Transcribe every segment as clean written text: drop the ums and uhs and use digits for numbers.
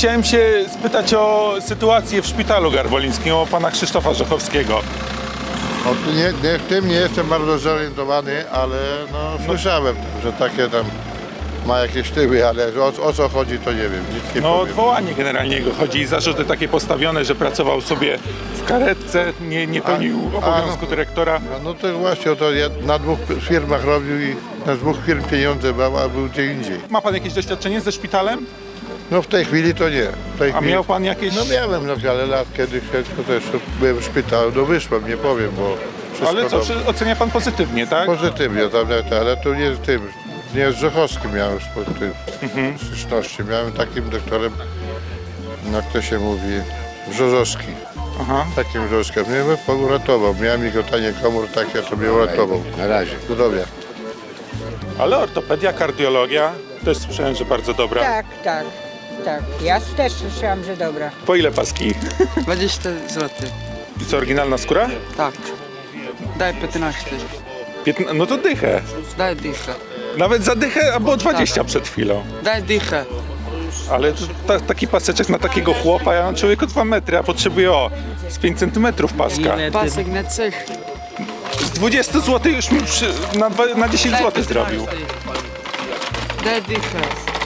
Chciałem się spytać o sytuację w szpitalu garwolińskim, o pana Krzysztofa Rzechowskiego. No, w tym nie jestem bardzo zorientowany, ale no, słyszałem, że takie tam ma jakieś tyły, ale o co chodzi, to nie wiem, nic nie No powiem. odwołanie generalnie jego chodzi i zarzuty takie postawione, że pracował sobie w karetce, nie pełnił obowiązku dyrektora. No to właśnie, to ja na 2 firmach robił i na 2 firm pieniądze brał, a był gdzie indziej. Ma pan jakieś doświadczenie ze szpitalem? No w tej chwili to nie. W tej A chwili... miał pan jakieś... No miałem no, ale lat kiedyś to też byłem w szpitalu, no wyszłem, nie powiem, bo wszystko Ale co, dobrze. ocenia pan pozytywnie, tak? Pozytywnie, tam, ale to nie z tym, nie z Rzechowskim miałem styczności. Miałem takim doktorem, no jak to się mówi, Brzozowski. Aha. Takim Brzozowskim. Mnie uratował. Miałem migotanie komór takie, to mnie uratował. Na razie. Zdrowia. Ale ortopedia, kardiologia, też słyszałem, że bardzo dobra. Tak. Ja też słyszałam, że dobra. Po ile paski? 20 zł. I co, oryginalna skóra? Tak. Daj 15. No to dychę. Daj dychę. Nawet za dychę, a było 20 przed chwilą. Daj dychę. Ale taki paseczek na takiego chłopa, ja mam człowieku 2 metry, a potrzebuję z 5 centymetrów paska. Pasek na cech. Z 20 zł już mi na 10 zł zrobił. Daj dychę.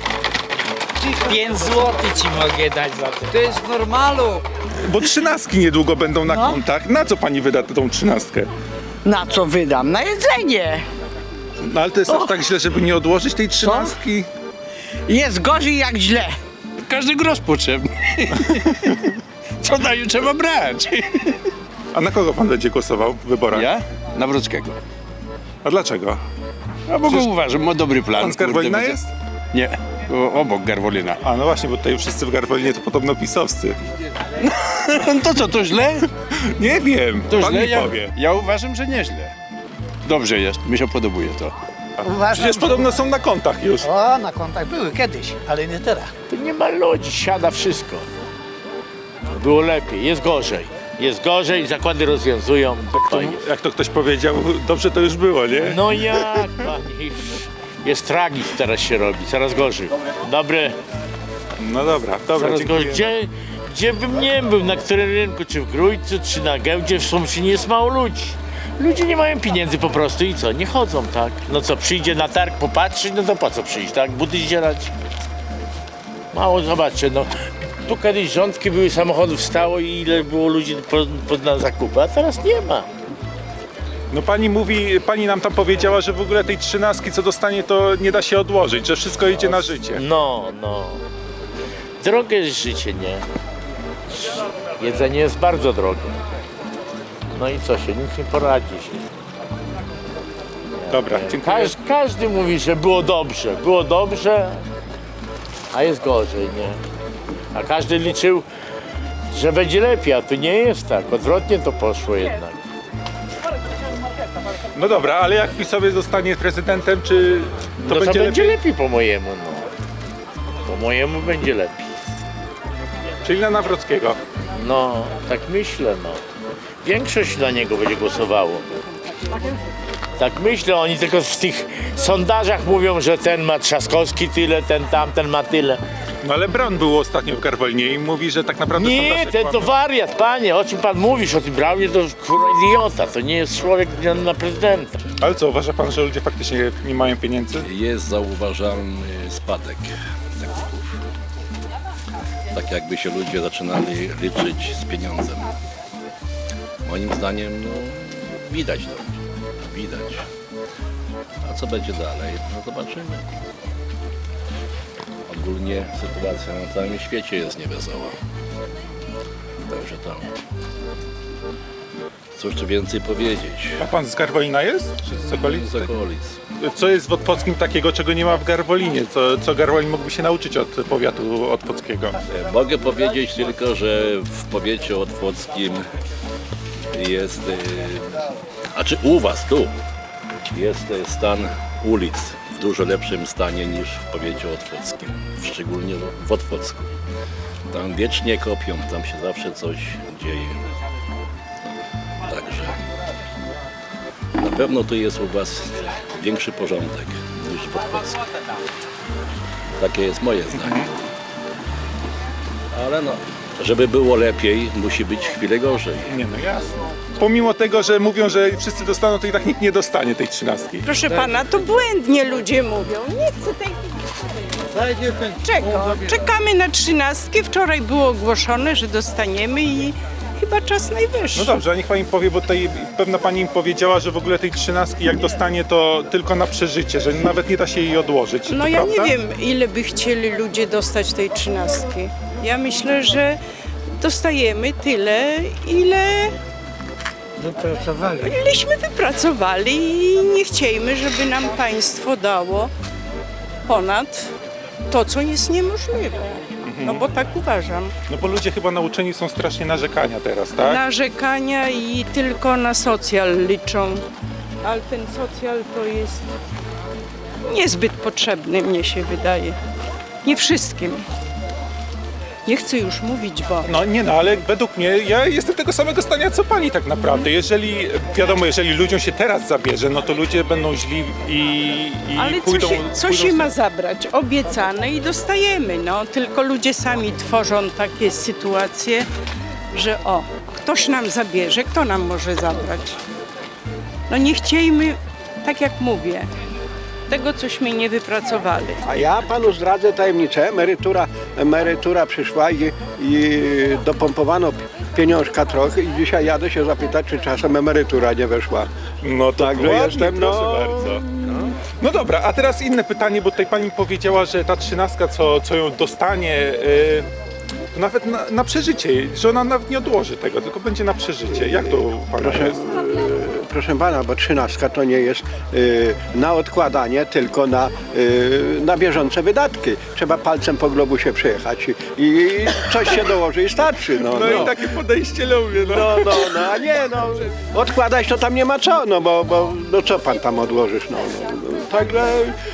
5 zł ci mogę dać za to. To jest normalu. Bo 13 niedługo będą na kontach. Na co pani wyda tą 13? Na co wydam? Na jedzenie. No ale to jest aż tak źle, żeby nie odłożyć tej 13? Jest gorzej jak źle. Każdy grosz potrzebny. Co daje, trzeba brać. A na kogo pan będzie głosował w wyborach? Ja? Nawrockiego. A dlaczego? A bo go uważam, ma dobry plan. Pan z Garwolina kurde, jest? Nie, obok Garwolina. A no właśnie, bo tutaj wszyscy w Garwolinie to podobno pisowscy. To co, to źle? Nie wiem, To pan źle? mi powie. Ja uważam, że nieźle. Dobrze jest, mi się podobuje to. Przecież podobno są na kontach już. O, na kontach były kiedyś, ale nie teraz. To nie ma ludzi, siada wszystko. Było lepiej, jest gorzej. Jest gorzej, zakłady rozwiązują. Jak to ktoś powiedział, dobrze to już było, nie? No jak, panie? Jest tragizm teraz się robi, coraz gorzej. Dobre, No dobra, coraz dziękuję. gorzej. Gdzie bym nie był, na którym rynku, czy w Grójcu, czy na giełdzie, w Sumszynie jest mało ludzi. Ludzie nie mają pieniędzy po prostu i co, nie chodzą, tak? No co, przyjdzie na targ popatrzeć, no to po co przyjść, tak? Buty zdzierać. Mało, zobaczcie, no. Tu kiedyś rządki były, samochodów stało i ile było ludzi na zakupy, a teraz nie ma. No pani nam tam powiedziała, że w ogóle tej 13 co dostanie to nie da się odłożyć, że wszystko idzie na życie. No. Drogie jest życie, nie? Jedzenie jest bardzo drogie. No i co się, nic nie poradzisz. Dobra, dziękuję. Każdy mówi, że było dobrze, a jest gorzej, nie? A każdy liczył, że będzie lepiej, a tu nie jest tak. Odwrotnie to poszło jednak. No dobra, ale jak PiS-owie zostanie prezydentem, czy to No będzie będzie lepiej? lepiej po mojemu, no. Po mojemu będzie lepiej. Czyli na Nawrockiego. No, tak myślę, no. Większość na niego będzie głosowało. Tak myślę, oni tylko w tych sondażach mówią, że ten ma Trzaskowski tyle, tamten ma tyle. No ale Braun był ostatnio w Garwolinie i mówi, że tak naprawdę Nie, sondaże ten to kłamią. wariat, panie, o czym pan mówisz, o tym Braunie, to kurwa idiota, to nie jest człowiek na prezydenta. Ale co, uważa pan, że ludzie faktycznie nie mają pieniędzy? Jest zauważalny spadek zakupów. Tak jakby się ludzie zaczynali liczyć z pieniądzem. Moim zdaniem, no, widać to. Widać. A co będzie dalej? No zobaczymy. Ogólnie sytuacja na całym świecie jest niewesoła. Także to. Cóż tu więcej powiedzieć? A pan z Garwolina jest? Czy z okolic? Z okolic. Co jest w Otwockim takiego, czego nie ma w Garwolinie? Co Garwolin mógłby się nauczyć od powiatu otwockiego? Mogę powiedzieć tylko, że w powiecie otwockim jest, znaczy u was tu jest stan ulic w dużo lepszym stanie niż w powiecie otwockim, szczególnie w Otwocku. Tam wiecznie kopią, tam się zawsze coś dzieje. Także na pewno tu jest u was większy porządek niż w Otwocku. Takie jest moje zdanie. ale no, żeby było lepiej, musi być chwilę gorzej. Nie, no jasne. Pomimo tego, że mówią, że wszyscy dostaną, to i tak nikt nie dostanie tej 13. Proszę pana, to błędnie ludzie mówią. Nie chcę tej... Czego? Czekamy na 13. Wczoraj było ogłoszone, że dostaniemy i chyba czas najwyższy. No dobrze, a niech pani powie, bo tutaj pewna pani im powiedziała, że w ogóle tej 13 jak dostanie, to tylko na przeżycie, że nawet nie da się jej odłożyć. No to ja prawda? nie wiem, ile by chcieli ludzie dostać tej 13. Ja myślę, że dostajemy tyle, ileśmy wypracowali i nie chciejmy, żeby nam państwo dało ponad to, co jest niemożliwe. No bo tak uważam. No bo ludzie chyba nauczeni są strasznie narzekania teraz, tak? Narzekania i tylko na socjal liczą. Ale ten socjal to jest niezbyt potrzebny, mnie się wydaje. Nie wszystkim. Nie chcę już mówić, bo... No nie no, ale według mnie, ja jestem tego samego zdania co pani tak naprawdę. Jeżeli, wiadomo, jeżeli ludziom się teraz zabierze, no to ludzie będą źli i Ale pójdą... co pójdą się z- ma zabrać? Obiecane i dostajemy, no. Tylko ludzie sami tworzą takie sytuacje, że ktoś nam zabierze, kto nam może zabrać? No nie chciejmy, tak jak mówię, tego, cośmy nie wypracowali. A ja panu zdradzę tajemnicę. Emerytura przyszła i dopompowano pieniążka trochę i dzisiaj jadę się zapytać, czy czasem emerytura nie weszła. No to Także ładnie, jestem, proszę bardzo. No dobra, a teraz inne pytanie, bo tutaj pani powiedziała, że ta 13, co ją dostanie, to nawet na przeżycie, że ona nawet nie odłoży tego, tylko będzie na przeżycie. Jak to pana jest? Proszę pana, bo 13 to nie jest na odkładanie, tylko na bieżące wydatki. Trzeba palcem po globusie przejechać i coś się dołoży i starczy. No i takie podejście lubię, no. A nie, odkładać to tam nie ma co, bo co pan tam odłożysz, Także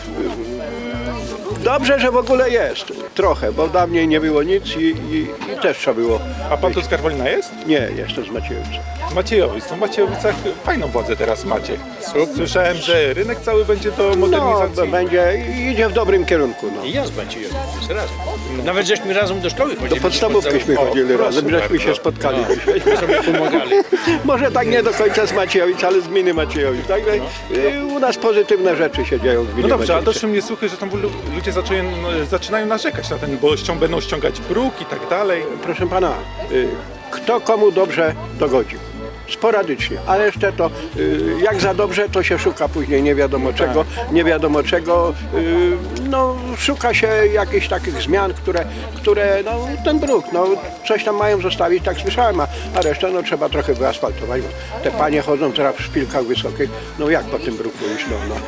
dobrze, że w ogóle jest, trochę, bo dawniej nie było nic i też trzeba było. A pan tu z Garwolina jest? Nie, jestem z Maciejowic. Maciejowic. No w Maciejowicach fajną władzę teraz macie. Słyszałem, że rynek cały będzie do modernizacji. Idzie w dobrym kierunku. I ja z Maciejem, razem. Nawet żeśmy razem do szkoły chodzili. Do podstawówkyśmy chodzili razem, żeśmy się spotkali dzisiaj. sobie pomagali. Może tak nie do końca z Maciejowic, ale z gminy Maciejowic. Także u nas pozytywne rzeczy się dzieją w gminie No dobrze, a Maciejowice. doszły mnie słuchy, że tam ludzie zaczynają narzekać na ten, bo będą ściągać bruk i tak dalej. Proszę pana, kto komu dobrze dogodzi. Sporadycznie, ale jeszcze to jak za dobrze, to się szuka później nie wiadomo czego, szuka się jakichś takich zmian, które ten bruk, coś tam mają zostawić, tak słyszałem, a resztę trzeba trochę wyasfaltować, bo te panie chodzą teraz w szpilkach wysokich, jak po tym bruku iść,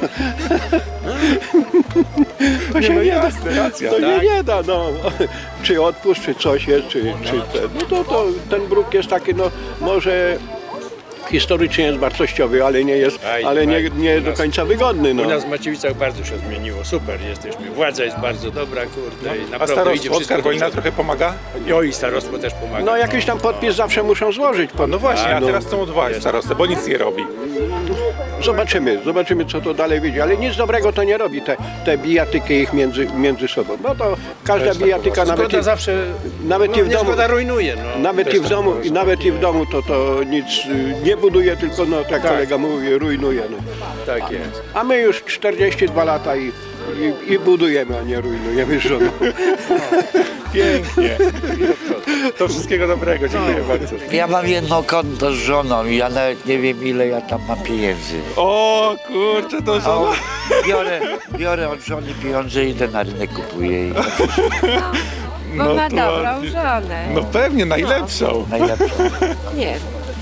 To się nie da, racja, to tak? nie da, czy odpust, czy coś jest, czy ten, to ten bruk jest taki, może historycznie jest wartościowy, ale nie jest, nie do końca wygodny. U nas w Maciejowicach bardzo się zmieniło, super jesteśmy. Władza jest bardzo dobra, kurde, i A naprawdę idzie starostwo z wszystko. Garwolina trochę pomaga? I starostwo też pomaga. Jakiś tam podpis zawsze muszą złożyć. No właśnie, a teraz są odwołać starostę, bo nic nie robi. Zobaczymy co to dalej wyjdzie, ale nic dobrego to nie robi, te bijatyki ich między sobą. To każda bijatyka, nawet i w domu, rujnuje. nawet i w domu to nic nie buduje, tylko tak kolega mówi, rujnuje. Tak jest. A my już 42 lata i budujemy, a nie rujnujemy z żoną. Pięknie. To wszystkiego dobrego, dziękuję bardzo. Ja mam jedno konto z żoną i ja nawet nie wiem, ile ja tam mam pieniędzy. O kurczę, to żona. Biorę od żony pieniądze, idę na rynek, kupuję i Bo ma to dobrą ładnie. żonę. No pewnie, najlepszą. najlepsze. Nie.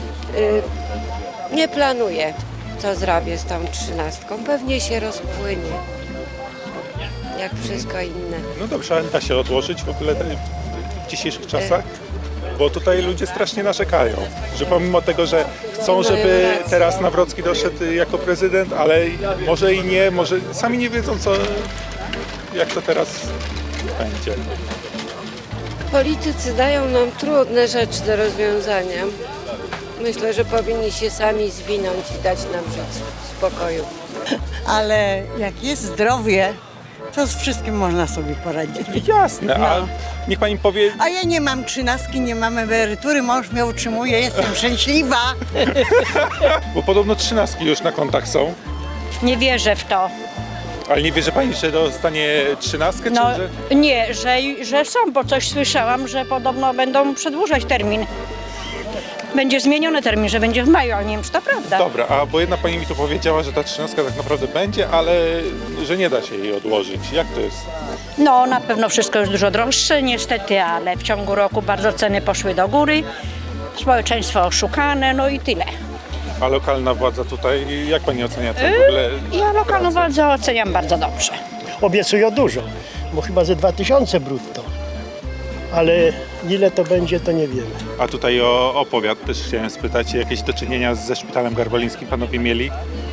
Nie planuję, co zrobię z tą 13. Pewnie się rozpłynie. Jak wszystko inne. No dobrze, ale da się odłożyć w ogóle w dzisiejszych czasach? Bo tutaj ludzie strasznie narzekają, że pomimo tego, że chcą, żeby teraz Nawrocki doszedł jako prezydent, ale może i nie, może sami nie wiedzą, jak to teraz będzie. Politycy dają nam trudne rzeczy do rozwiązania. Myślę, że powinni się sami zwinąć i dać nam żyć w spokoju. Ale jak jest zdrowie, To z wszystkim można sobie poradzić. Jasne, a No. niech pani powie, A ja nie mam 13, nie mam emerytury, mąż mnie utrzymuje, jestem szczęśliwa. bo podobno 13 już na kontach są, Nie wierzę w to. ale nie wierzy pani, że dostanie 13, No czy że... nie, że są, bo coś słyszałam, że podobno będą przedłużać termin. Będzie zmieniony termin, że będzie w maju, ale nie wiem, czy to prawda. Dobra, a bo jedna pani mi tu powiedziała, że ta 13 tak naprawdę będzie, ale że nie da się jej odłożyć. Jak to jest? No na pewno wszystko jest dużo droższe niestety, ale w ciągu roku bardzo ceny poszły do góry. Społeczeństwo oszukane, no i tyle. A lokalna władza tutaj, jak pani ocenia to w ogóle? Ja lokalną władzę oceniam bardzo dobrze. Obiecują dużo, bo chyba ze 2000 brutto. Ale ile to będzie, to nie wiemy. A tutaj o powiat też chciałem spytać, jakieś do czynienia ze szpitalem garwolińskim panowie mieli?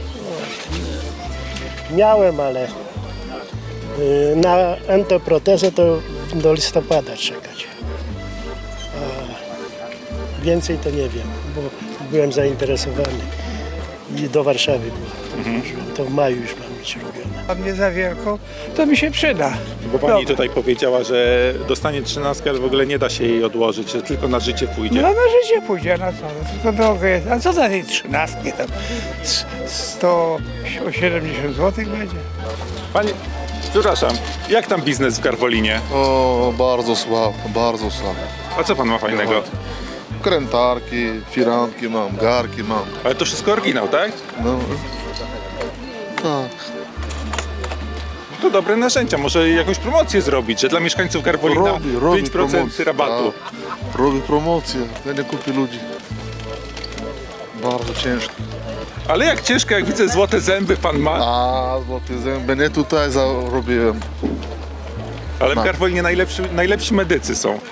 Miałem, ale na entoprotezę to do listopada czekać. A więcej to nie wiem, bo byłem zainteresowany i do Warszawy położyłem. To w maju już mam być robione. A mnie za wielką, to mi się przyda. Bo pani tutaj powiedziała, że dostanie 13, ale w ogóle nie da się jej odłożyć, że tylko na życie pójdzie. No na życie pójdzie, na co? No, tylko drogo jest. A co za tej 13 tam? 170 zł będzie. Pani, przepraszam, jak tam biznes w Garwolinie? O, bardzo słabo, bardzo słabo. A co pan ma fajnego? Krętarki, firanki mam, garki mam. Ale to wszystko oryginał, tak? No, tak. To dobre narzędzia, może jakąś promocję zrobić, że dla mieszkańców Garwolina Robi 5% promocję, rabatu. Tak. Robi promocję, ja nie kupi ludzi. Bardzo ciężko. Ale jak ciężko, jak widzę złote zęby pan ma. A, złote zęby nie tutaj zarobiłem. Ale w Garwolinie najlepsi medycy są.